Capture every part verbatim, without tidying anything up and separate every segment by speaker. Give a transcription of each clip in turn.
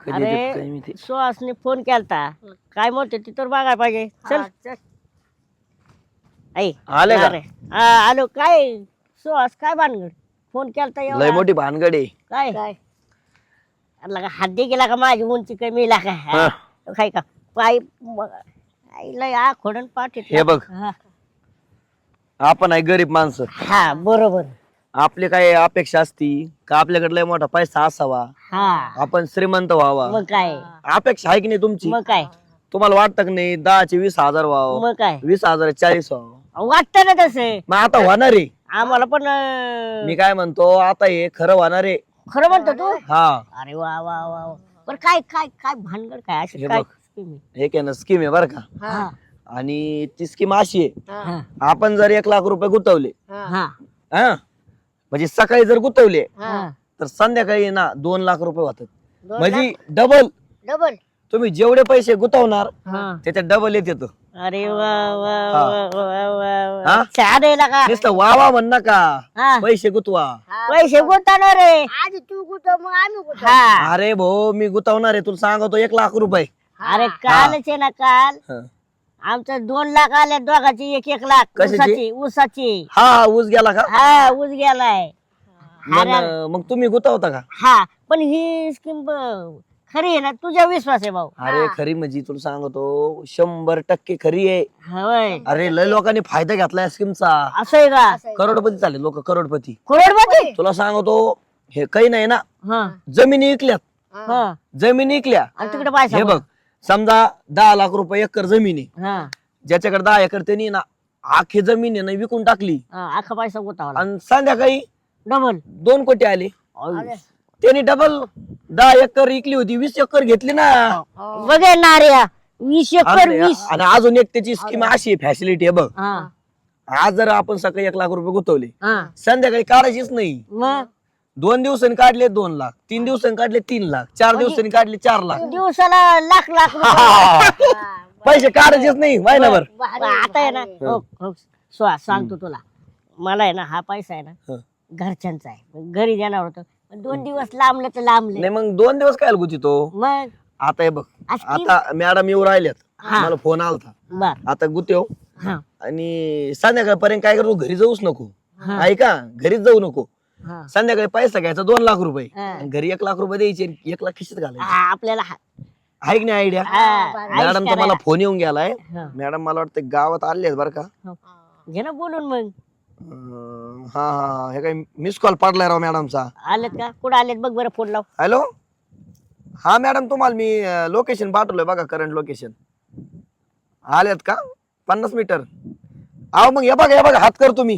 Speaker 1: कधी देत काय मी
Speaker 2: अरे
Speaker 1: ते.
Speaker 2: सुहासने फोन केलता काय म्हणते ती तर बघायला पाहिजे चल आई
Speaker 1: आले का?
Speaker 2: अरे हा आलो काय सुहास काय भानगड फोन केलता
Speaker 1: लय
Speaker 2: एवढा
Speaker 1: मोठी भानगड आहे.
Speaker 2: काय काय लगा हद्दी गेला का माझी उंची कमी ला का
Speaker 1: हा.
Speaker 2: काय का पाय आईला या खोडून पाठ
Speaker 1: हे बघ. आपण आहे गरीब माणसं.
Speaker 2: हा बरोबर
Speaker 1: आपली काय अपेक्षा असती का आपल्याकडे लय मोठा पैसा असावा,
Speaker 2: हा
Speaker 1: आपण श्रीमंत व्हावा,
Speaker 2: मग काय
Speaker 1: अपेक्षा आहे की नाही तुमची?
Speaker 2: मग काय
Speaker 1: तुम्हाला वाटतं की नाही दहाचे वीस हजार व्हावं,
Speaker 2: मग काय
Speaker 1: वीस हजार चाळीस व्हावं?
Speaker 2: वाटत ना तसं
Speaker 1: मग आता होणार आहे.
Speaker 2: आम्हाला पण अं,
Speaker 1: मी काय म्हणतो आता हे खरं होणार आहे.
Speaker 2: खरं म्हणतो तू
Speaker 1: हा
Speaker 2: अरे वा वा वा वा. पण काय काय काय भानगड काय अशी
Speaker 1: हे
Speaker 2: काय
Speaker 1: बघ.
Speaker 2: scheme आहे?
Speaker 1: हे काय ना स्कीम आहे बरं का.
Speaker 2: हा
Speaker 1: आणि ती स्कीम अशी आहे,
Speaker 2: हा
Speaker 1: आपण जर एक लाख रुपये गुंतवले
Speaker 2: हा
Speaker 1: हा म्हणजे सकाळी जर गुंतवले
Speaker 2: हा
Speaker 1: तर संध्याकाळी ना दोन लाख रुपये होतात.
Speaker 2: दोन
Speaker 1: म्हणजे डबल
Speaker 2: डबल
Speaker 1: तुम्ही जेवढे पैसे गुंतवणार
Speaker 2: हा
Speaker 1: त्याच्यात डबल येत येतं.
Speaker 2: अरे वा वा
Speaker 1: हा.
Speaker 2: वा वा वा
Speaker 1: हा?
Speaker 2: वा छान आहे ना का
Speaker 1: नुसतं वा वा म्हण नका,
Speaker 2: हा.
Speaker 1: पैसे गुतवा.
Speaker 2: पैसे गुंतवणार रे आधी तू गुंतव मग आम्ही हा
Speaker 1: अरे भाऊ मी गुंतवणार आहे तुला सांगतो एक लाख रुपये.
Speaker 2: अरे कालच आहे ना काल
Speaker 1: हं.
Speaker 2: आमचं दोन लाख आले दोघाची एक एक लाख
Speaker 1: कशाची?
Speaker 2: ऊसाची ऊसाची
Speaker 1: हा ऊस गेला का?
Speaker 2: हा ऊस गेलाय
Speaker 1: मग मग तुम्ही गुंतवता का?
Speaker 2: हा पण ही स्कीम खरी आहे ना तुझ्या विश्वास आहे भाऊ
Speaker 1: अरे खरी म्हणजे तुला सांगतो शंभर टक्के खरी आहे.
Speaker 2: होय
Speaker 1: अरे लय लोकांनी फायदा घेतलाय स्कीमचा.
Speaker 2: असं आहे का
Speaker 1: करोडपती झाले लोक, करोडपती.
Speaker 2: करोडपती
Speaker 1: तुला सांगतो हे काही नाही ना,
Speaker 2: हा
Speaker 1: जमिनी विकल्यात.
Speaker 2: हा
Speaker 1: जमिनी विकल्या.
Speaker 2: आणि तिकडे पैसा
Speaker 1: हे बघ समजा दहा लाख रुपये एकर जमीन आहे,
Speaker 2: हा
Speaker 1: ज्याच्याकडे दहा एकर त्यांनी ना आखी जमीन आहे ना विकून टाकली
Speaker 2: हा, अख्खा पैसा गुतावला
Speaker 1: आणि संध्याकाळी
Speaker 2: डबल
Speaker 1: दोन कोटी आले. त्यांनी डबल दहा एकर विकली होती वीस एकर घेतली ना.
Speaker 2: बघे नार्या वीस एकर
Speaker 1: आणि
Speaker 2: वीस
Speaker 1: आणि अजून एक त्याची स्कीम अशी फॅसिलिटी आहे बघ.
Speaker 2: हा
Speaker 1: आज जर आपण सकाळी एक लाख रुपये गुंतवले
Speaker 2: हा
Speaker 1: संध्याकाळी काढायचीच नाही.
Speaker 2: मग
Speaker 1: दोन दिवसांनी काढले दोन लाख, तीन दिवसांनी काढले तीन लाख, चार दिवसांनी काढले चार लाख.
Speaker 2: दिवसाला लाख लाख
Speaker 1: हा. पैसे काढायचेच नाही महिनाभर.
Speaker 2: रुपये. आता आहे ना हो हो स्वा सांगतो तुला मला आहे ना हा पैसा आहे ना
Speaker 1: हं.
Speaker 2: घरच्यांचा आहे घरी देणार होतं पण दोन दिवस लांबलं तर लांबले
Speaker 1: नाही मग दोन दिवस काय गुंतितो.
Speaker 2: मग
Speaker 1: आता हे बघ
Speaker 2: आज तीन-
Speaker 1: आता मॅडम येऊ राहिल्यात,
Speaker 2: हा.
Speaker 1: मला फोन आलता.
Speaker 2: बर
Speaker 1: आता गुतेव
Speaker 2: हा
Speaker 1: आणि संध्याकाळपर्यंत काय करतो घरी जाऊच नको.
Speaker 2: हा.
Speaker 1: ऐका घरीच जाऊ नको.
Speaker 2: हा
Speaker 1: संध्याकाळी पैसा घ्यायचा दोन लाख रुपये
Speaker 2: हा.
Speaker 1: आणि घरी एक लाख रुपये द्यायचे आणि एक लाख खिशीत घालायचे.
Speaker 2: हा, आपल्याला हा-
Speaker 1: आहे की नाही आयडिया?
Speaker 2: हा,
Speaker 1: मॅडम
Speaker 2: आयुष
Speaker 1: मला फोन येऊन गेलाय.
Speaker 2: हा.
Speaker 1: मॅडम मला वाटतं गावात आले आहेत बरं का.
Speaker 2: हो. घे ना बोलून मग
Speaker 1: अं, हा हा हा. हे काय मिस कॉल पडलाय राव मॅडमचा.
Speaker 2: आलेत का कुठं आलेत बघ बरं फोन लाव
Speaker 1: हॅलो हा मॅडम तुम्हाला मी लोकेशन पाठवलंय बघा, करंट लोकेशन. आलेत का पन्नास मीटर? अहो मग हे बघा हे बघा हात कर तुम्ही,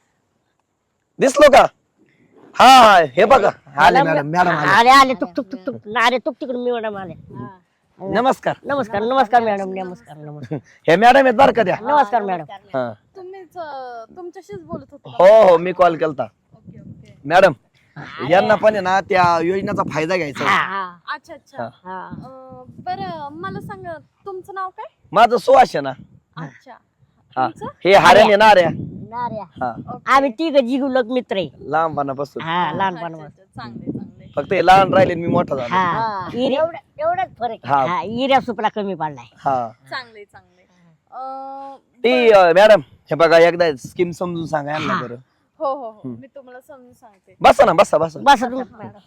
Speaker 1: दिसलो का? हा हा हे बघा आले मॅडम. मॅडम आले.
Speaker 2: आले आले तुक तुक तुक तुक आले तुक तिकडून मी मॅडम आले
Speaker 1: नमस्कार.
Speaker 2: नमस्कार नमस्कार मॅडम नमस्कार नमस्कार
Speaker 1: हे मॅडम आहेत बरं का त्या.
Speaker 2: नमस्कार मॅडम
Speaker 1: हा.
Speaker 3: तुम्हीच अं, तुमच्याशीच बोलत होते का?
Speaker 1: हो हो मी कॉल केलता.
Speaker 3: ओके ओके
Speaker 1: मॅडम यांना पण आहे ना त्या योजनेचा फायदा घ्यायचा आहे.
Speaker 2: हा,
Speaker 3: अच्छा अच्छा
Speaker 2: हा.
Speaker 3: अं, बरं मला सांगा तुमचं नाव काय?
Speaker 1: माझं सुवास आहे ना.
Speaker 3: अच्छा
Speaker 1: हा
Speaker 3: तुमचं?
Speaker 1: हे हार्या नेणाऱ्या.
Speaker 2: नाऱ्या.
Speaker 1: हा
Speaker 2: आम्ही तिघ जिगुलक मित्र आहे
Speaker 1: लहानपणापासून.
Speaker 2: हा
Speaker 3: अच्छा,
Speaker 2: लहानपण
Speaker 3: अच्छा, चांगले चांगले
Speaker 1: फक्त हे लहान राहिले आणि मी मोठा झालो.
Speaker 2: हा एवढाच फरक
Speaker 1: हा.
Speaker 2: हा इऱ्या सुपला कमी पडलाय
Speaker 1: हा
Speaker 3: चांगले चांगले अं,
Speaker 1: ती अं, मॅडम हे बघा एकदा स्कीम समजून सांगा यांना बरं.
Speaker 3: हो हो हो मी तुम्हाला समजून सांगते.
Speaker 1: बसा ना बसा बसा.
Speaker 2: बस तू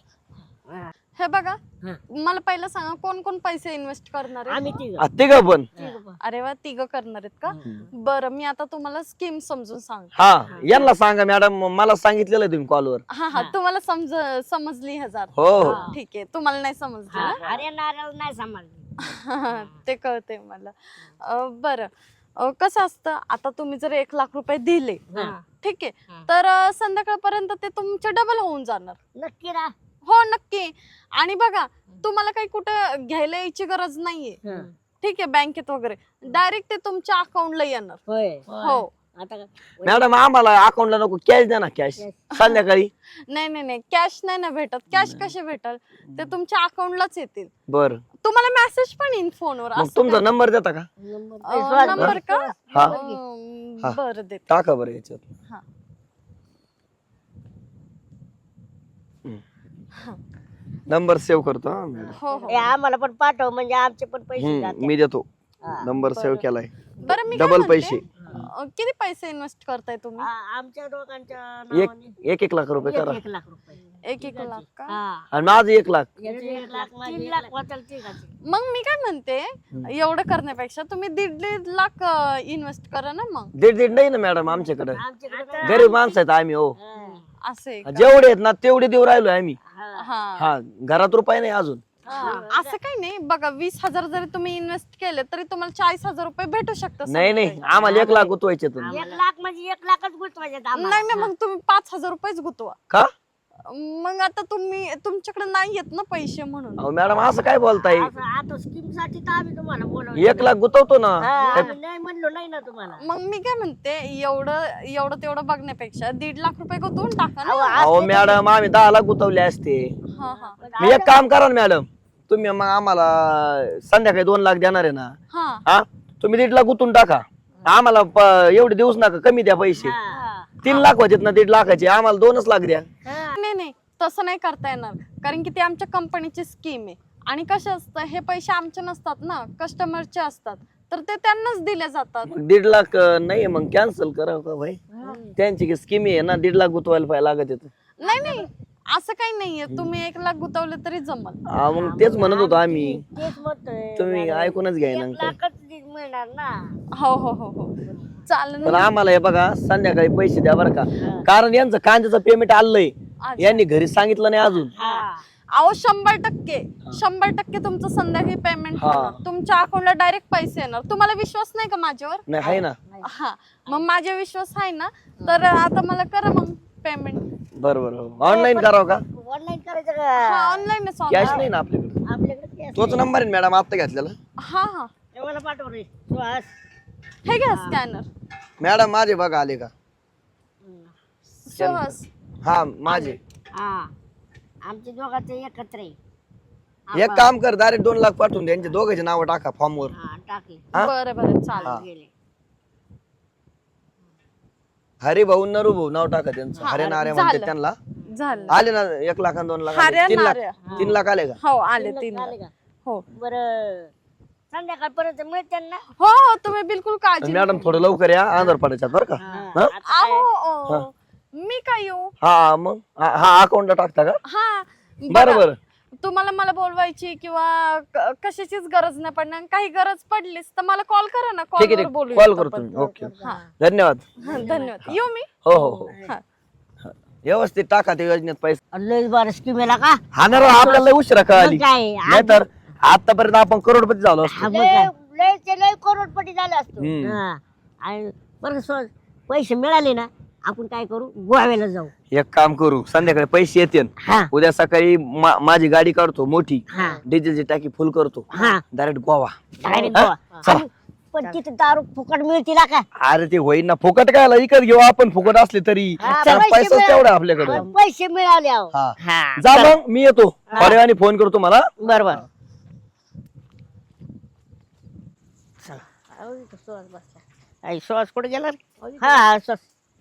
Speaker 3: हे बघा
Speaker 2: हा.
Speaker 3: मला पहिलं सांगा कोण कोण पैसे इन्व्हेस्ट करणार आहे?
Speaker 2: आम्ही तिघ
Speaker 1: हा, तिघं पण.
Speaker 3: अरे वा तिघ करणार आहेत का? बरं मी आता तुम्हाला स्कीम समजून सांगते.
Speaker 1: हा यांना सांगा मॅडम, मला सांगितलेलं आहे तुम्ही कॉलवर.
Speaker 3: हा हा तुम्हाला समज समजली हजार
Speaker 1: हो हो.
Speaker 3: ठीक आहे तुम्हाला नाही समजली ना?
Speaker 2: अरे नारळ नाही समजली
Speaker 3: ते कळते मला. अं, बरं अं, कसं असतं आता तुम्ही जर एक लाख रुपये दिले ठीक आहे तर अं, संध्याकाळपर्यंत ते तुमचे डबल होऊन जाणार.
Speaker 2: नक्की ना
Speaker 3: हो नक्की. आणि बघा तुम्हाला काही कुठं घ्यायला यायची गरज नाहीये ठीक आहे बँकेत वगैरे डायरेक्ट ते तुमच्या अकाउंटला येणार.
Speaker 2: होय
Speaker 3: हो
Speaker 2: आता काय?
Speaker 1: मॅडम आम्हाला अकाउंटला नको कॅश द्या ना, कॅश संध्याकाळी.
Speaker 3: नाही नाही नाही कॅश नाही ना भेटत. कॅश कसे भेटल ते तुमच्या अकाउंटलाच येतील.
Speaker 1: बर
Speaker 3: तुम्हाला मेसेज पण येईल फोनवर.
Speaker 1: मग तुमचा नंबर देता का?
Speaker 2: नंबर-
Speaker 3: नंबर का?
Speaker 1: हा.
Speaker 3: अं,
Speaker 1: हा.
Speaker 3: बरं देते.
Speaker 1: टाका बरं याच्यात.
Speaker 3: हा.
Speaker 1: नंबर सेव्ह करतो हा मॅडम.
Speaker 3: हो हो
Speaker 2: हे आम्हाला पण पाठव म्हणजे आमचे पण पैसे
Speaker 1: हम्म,
Speaker 2: जाते.
Speaker 1: मी देतो
Speaker 2: हा.
Speaker 1: नंबर सेव्ह केलाय.
Speaker 3: बरं मी काय
Speaker 1: डबल
Speaker 3: म्हणते,
Speaker 1: पैसे
Speaker 3: अं, किती पैसे इन्व्हेस्ट करताय तुम्ही?
Speaker 2: आ- आमच्या दोघांच्या
Speaker 1: एक
Speaker 2: नावाने
Speaker 1: एक एक लाख रुपये
Speaker 2: एक
Speaker 1: करा
Speaker 2: एक लाख रुपये.
Speaker 3: एक एक लाख का?
Speaker 2: हा.
Speaker 1: आणि माझं एक लाख.
Speaker 2: याचे एक लाख तीन लाख वाचाल तिघाचे.
Speaker 3: मग मी काय म्हणते, एवढं करण्यापेक्षा तुम्ही दीड दीड लाख इन्व्हेस्ट करा ना मग.
Speaker 1: दीड दीड नाही ना मॅडम आमच्याकडे,
Speaker 2: आमच्याकडे काय-
Speaker 1: गरीब माणसं आहेत आम्ही हो.
Speaker 2: हा.
Speaker 3: असे
Speaker 1: जेवढे आहेत ना तेवढे देऊ राहिलोय आम्ही.
Speaker 3: हा
Speaker 1: हा घरात रुपये नाही अजून.
Speaker 3: असं काही नाही बघा, वीस हजार जरी तुम्ही इन्व्हेस्ट केले तरी तुम्हाला चाळीस हजार रुपये भेटू शकतात.
Speaker 1: नाही नाही आम्हाला एक लाख गुतवायचे तुम्ही.
Speaker 2: एक लाख म्हणजे एक लाखच गुंतवायचे आम्हाला.
Speaker 3: नाही नाही मग तुम्ही पाच हजार रुपयेच गुतवा.
Speaker 1: का
Speaker 3: मग आता तुम्ही तुमच्याकडे नाही येत ना पैसे म्हणून.
Speaker 1: अहो मॅडम असं काय बोलताय?
Speaker 2: असं आता स्कीम साठी तर आम्ही तुम्हाला बोलवलं.
Speaker 1: एक लाख गुतवतो ना.
Speaker 2: हा, आम्ही नाही म्हणलो नाही ना तुम्हाला.
Speaker 3: मग मी काय म्हणते, एवढं एवढं तेवढं बघण्यापेक्षा दीड लाख रुपये गुतवून टाका
Speaker 2: अहो,
Speaker 3: ना.
Speaker 1: अहो मॅडम आम्ही दहा लाख गुतवले असते.
Speaker 3: हा हा
Speaker 1: मी एक काम करा ना मॅडम, तुम्ही मग आम्हाला संध्याकाळी दोन लाख देणार आहे ना,
Speaker 3: हा
Speaker 1: हा तुम्ही दीड लाख गुतून टाका. आम्हाला प- एवढे देऊच नका, कमी द्या पैसे.
Speaker 2: हा.
Speaker 1: तीन लाख होते ना दीड लाखाचे, आम्हाला दोनच लाख द्या.
Speaker 2: हा.
Speaker 3: नाही नाही तसं नाही करता येणार, कारण की ती आमच्या कंपनीची स्कीम आहे. आणि कसं असतं, हे पैसे आमचे नसतात ना, कस्टमरचे असतात, तर ते त्यांनाच दिले जातात.
Speaker 1: मग दीड लाख अं, नाही मग कॅन्सल करा का भाई. त्यांची स्कीम आहे ना, दीड लाख गुतवायला पाहिजे लागत येत.
Speaker 3: नाही नाही असं काही नाहीये, तुम्ही एक लाख गुतवले तरी जमल.
Speaker 1: हा, मग तेच म्हणत होतो आम्ही,
Speaker 2: तेच म्हणतोय.
Speaker 1: तुम्ही ऐकूनच घ्याय ना
Speaker 2: एक
Speaker 1: काय.
Speaker 2: लाखच मिळणार ना.
Speaker 3: हो हो हो हो चालेल
Speaker 1: पण
Speaker 3: ना.
Speaker 1: आम्हाला हे बघा संध्याकाळी पैसे द्या बरं का, कारण यांचं कांद्याचं पेमेंट आलंय,
Speaker 3: अच्छा.
Speaker 1: यांनी घरी सांगितलं नाही अजून.
Speaker 2: हा.
Speaker 3: अहो शंभर टक्के शंभर टक्के तुमचं संध्याकाळी पेमेंट
Speaker 1: हा.
Speaker 3: होणार, तुमच्या अकाउंटला डायरेक्ट पैसे येणार. तुम्हाला विश्वास नाही का माझ्यावर?
Speaker 1: नाही आहे ना.
Speaker 3: हा मग माझ्या विश्वास आहे ना, तर आता मला करा मग पेमेंट.
Speaker 1: बरं बरं ऑनलाईन करावं का?
Speaker 2: ऑनलाईन करायचं
Speaker 3: हा
Speaker 2: का?
Speaker 3: ऑनलाईनच
Speaker 1: कॅश नाही ना आपल्याकडे.
Speaker 2: आपल्याकडे cash
Speaker 1: तोच नंबर आहे मॅडम आता घेतलेला.
Speaker 3: हा हा
Speaker 2: आहे. मला पाठव रे सुहास.
Speaker 3: हे घ्या स्कॅनर.
Speaker 1: मॅडम माझे बघा आले का?
Speaker 3: सुहास
Speaker 1: हा माझे.
Speaker 2: हा आमचे दोघांचे एकत्र आहे.
Speaker 1: एक काम कर, डायरेक्ट दोन लाख पाठवून द्या, यांचे दोघांचे नाव टाका फॉर्म वर.
Speaker 2: हा टाकले
Speaker 1: हा?
Speaker 3: बरं बरं चालेल.
Speaker 2: गेले.
Speaker 1: हरी भाऊ नरू भाऊ नाव टाका त्यांचं.
Speaker 3: हा,
Speaker 1: हरे नारे म्हणते
Speaker 3: झालं.
Speaker 1: त्यांना.
Speaker 3: झालं.
Speaker 1: आले ना एक लाख आणि दोन लाख आले.
Speaker 3: हरे
Speaker 1: तीन लाख
Speaker 3: नारे.
Speaker 1: तीन लाख आले का?
Speaker 3: हो आले तीन
Speaker 2: झाले
Speaker 3: लाख.
Speaker 2: का?
Speaker 3: हो
Speaker 2: बरं संध्याकाळपर्यंत मिळते ना.
Speaker 3: हो हो तुम्ही बिलकुल काळजी
Speaker 1: मॅडम थोडं लवकर या, आंध्र पडायच्यात बरं का.
Speaker 2: हा.
Speaker 1: हा?
Speaker 2: आता काय?
Speaker 3: अहो अहो, मी काय येऊ?
Speaker 1: हा मग हा हा अकाउंटला टाकता का?
Speaker 3: हा
Speaker 1: बरं
Speaker 3: बघा,
Speaker 1: बरं.
Speaker 3: तुम्हाला मला बोलवायची किंवा क- कशाचीच गरज नाही पडणार. काही गरज पडलीच तर मला कॉल करा ना,
Speaker 1: ठीक आहे
Speaker 3: कॉलवर
Speaker 1: ठीक
Speaker 3: बोलू
Speaker 1: कॉल करतो मी. ओके
Speaker 3: हा
Speaker 1: धन्यवाद.
Speaker 3: हा, धन्यवाद. येऊ मी.
Speaker 1: हो हो हो
Speaker 3: हा
Speaker 1: व्यवस्थित टाका ते योजनेत पैसे.
Speaker 2: लय बार स्कीम आहे का?
Speaker 1: हा ना राव, आपल्याला लय उशिरा कळाली.
Speaker 2: मग काय?
Speaker 1: नाहीतर आतापर्यंत आपण करोडपती झालो असतो.
Speaker 2: हा, मग काय? लय ते लय करोडपती झाले असतो.
Speaker 1: हम्म.
Speaker 2: हा. आणि बरं सहज पैसे मिळाले ना, आपण काय करू, गोव्याला जाऊ.
Speaker 1: एक काम करू, संध्याकाळी पैसे येतील,
Speaker 2: हा
Speaker 1: उद्या सकाळी मा- माझी गाडी काढतो मोठी,
Speaker 2: हा
Speaker 1: डिझेलची टाकी फुल करतो,
Speaker 2: हा
Speaker 1: डायरेक्ट गोवा.
Speaker 2: डायरेक्ट
Speaker 1: हा?
Speaker 2: गोवा.
Speaker 1: चला.
Speaker 2: आणि पण तिथे दारू फुकट मिळतील का?
Speaker 1: अरे ते होईन ना, फुकट काय विकत घेऊ आपण, फुकट असले तरी.
Speaker 2: हा,
Speaker 1: कारण
Speaker 2: पैसे
Speaker 1: पैसाच
Speaker 2: मिळाले.
Speaker 1: तेवढा आपल्याकडे.
Speaker 2: आणि पैसे मिळाले अहो.
Speaker 1: हा
Speaker 2: हा
Speaker 1: जा मग, मी येतो थोड्या वेळाने, फोन करतो मला.
Speaker 2: बरोबर. श्वास कुठे गेला रे? हा श्वास.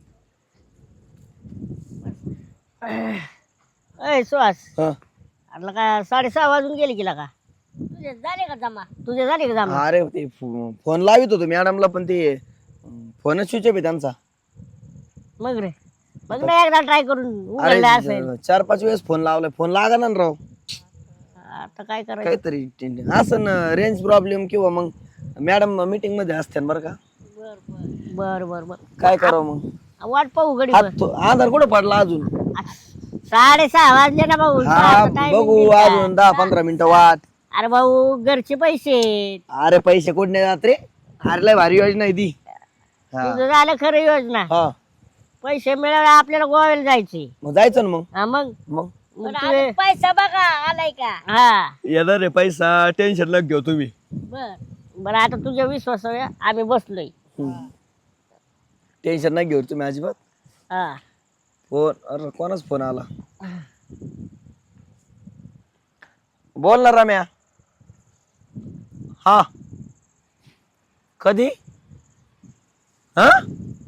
Speaker 2: अय श्वास,
Speaker 1: हा.
Speaker 2: अरे का साडेसहा वाजून गेले की का? तुझे झाले का जमा? तुझे झाले का जमा?
Speaker 1: अरे ते फो- फोन लावित होतो मॅडमला, पण ते फोनच स्विच ऑफ आहे त्यांचा.
Speaker 2: मग रे मग ना एकदा ट्राय करून
Speaker 1: अरे
Speaker 2: उघडला असेल.
Speaker 1: ज- चार पाच वेळेस फोन लावलाय, फोन लागा ना राव.
Speaker 2: आता काय करायचं?
Speaker 1: काहीतरी टेंड- असं रेंज प्रॉब्लेम किंवा मग मॅडम मीटिंग मध्ये असते बरं का.
Speaker 2: बर बर बर.
Speaker 1: काय करावं मग?
Speaker 2: वाट पाहू घडी
Speaker 1: हात तो- आधार कुठं पडला अजून?
Speaker 2: साडेसहा वाजले ना भाऊ.
Speaker 1: हा
Speaker 2: सहाचं timing
Speaker 1: बघू
Speaker 2: दिलं का?
Speaker 1: अजून दहा पंधरा मिनिटं वाट.
Speaker 2: अरे भाऊ घरचे पैसे.
Speaker 1: अरे पैसे कुठे नाही जात रे, अरे लय भारी योजना आहे ती. हा
Speaker 2: तुझं झालं खरं योजना.
Speaker 1: हा
Speaker 2: पैसे मिळाले आपल्याला गोव्याला जायचे.
Speaker 1: मग जायचं ना मग.
Speaker 2: हा मग
Speaker 1: मग
Speaker 2: मग तुझे पैसा बघा आलाय का? हा
Speaker 1: येणार रे पैसा, टेन्शन लग घेऊ तुम्ही.
Speaker 2: बर बर. आता तुझ्या विश्वासावर आम्ही बसलोय.
Speaker 1: टेन्शन नाही घेऊ तुम्ही अजिबात.
Speaker 2: हा
Speaker 1: फोन, अरे कोणाच फोन आला? बोल ना रम्या. हा कधी? हा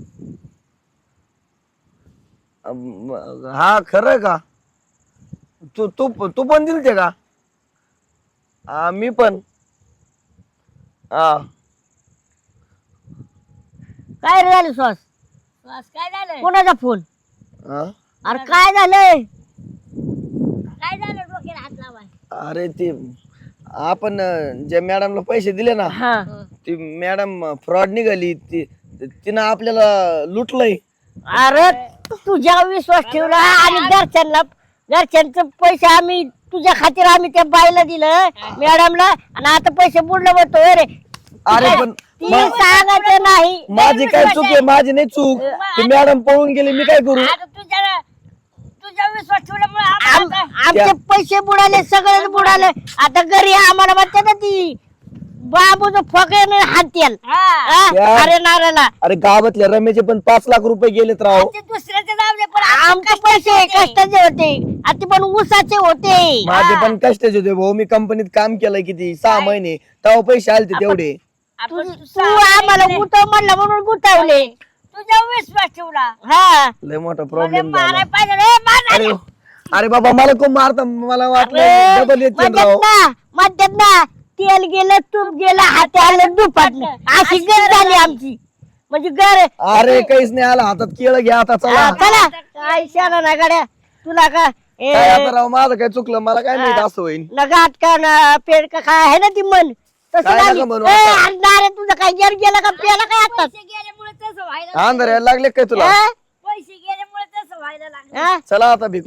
Speaker 1: अम, हा खरं का? तू तू तू पण दिलते का? हा मी पण. हा
Speaker 2: काय रे झालं श्वास
Speaker 4: काय झालं
Speaker 2: कोणाचा फोन?
Speaker 1: हा.
Speaker 2: अरे काय झालंय?
Speaker 4: काय झालं डोक्याला हात लावाय
Speaker 1: अरे ते आपण अं, ज्या मॅडमला पैसे दिले ना
Speaker 2: हा
Speaker 1: ती मॅडम फ्रॉड निघाली. ती तिनं आपल्याला लुटलंय.
Speaker 2: अरे तुझ्या विश्वास ठेवला आणि घरच्यांना घरच्यांचे पैसे आम्ही तुझ्या खातीर आम्ही त्या बाईला दिलं मॅडमला आणि आता पैसे बुडलं म्हणतो रे.
Speaker 1: अरे पण
Speaker 2: ती सांगायचं नाही.
Speaker 1: माझी काय चूक आहे? माझी नाही चूक. ती मॅडम पळून गेली, मी काय करू?
Speaker 4: आता तुझ्या तुझ्या विश्वास ठेवल्यामुळे
Speaker 2: आम-
Speaker 4: आम्हाला
Speaker 2: आमचे पैसे बुडाले सगळेच बुडाले. आता घरी आम्हाला म्हणते ना ती बाबूचं फकेने हातेल
Speaker 4: हा.
Speaker 1: या.
Speaker 2: अरे नारायला
Speaker 1: अरे गावातल्या रमेशचे पण पाच लाख रुपये गेलेत राव.
Speaker 4: ते दुसऱ्याचे जाऊ दे पण
Speaker 2: आमचे पैसे कष्टाचे होते आणि ते पण ऊसाचे होते.
Speaker 1: माझे पण कष्टाचे होते भाऊ. मी कंपनीत काम केलंय किती सहा महिने, तेव्हा पैसे आलते तेवढे.
Speaker 2: तू तू आम्हाला गुतव म्हणलं म्हणून गुतावले.
Speaker 4: तुझ्या विश्वास ठेवला
Speaker 2: हा
Speaker 1: लय मोठा
Speaker 4: म्हणजे
Speaker 1: प्रॉब्लेम
Speaker 4: माराय
Speaker 1: झाला.
Speaker 4: पाहिजे रे मार
Speaker 1: अरे अरे बाबा मला कोण मारता? मला वाटलं
Speaker 2: अरे,
Speaker 1: डबल येते
Speaker 2: म्हणतात
Speaker 1: राव.
Speaker 2: ना म्हणतात ना तेल गेलं तूप गेलं हाती आलं दुपाटलं. अशी घर झाली आमची म्हणजे घर.
Speaker 1: अरे काहीच नाही आला हातात. केळं घ्या आता चला.
Speaker 2: हा, चला काय शाला ना गाड्या तुला का ए,
Speaker 1: काय आता राव माझं काय चुकलं? मला काय माहित असं होईल.
Speaker 2: न गाठ का ना पेड का काय आहे ना ती मन तसं
Speaker 1: काय नका
Speaker 2: लागली.
Speaker 1: म्हणू
Speaker 2: ए,
Speaker 1: आता.
Speaker 2: अरे नारे तुझं काय जर गेलं का पेला काय आता
Speaker 4: पैसे गेल्यामुळे तसं व्हायला
Speaker 1: अंधार यायला लागले काय तुला?
Speaker 2: हा?
Speaker 4: पैसे गेल्यामुळे तसं व्हायला लागलं
Speaker 2: हा?
Speaker 1: चला आता भिक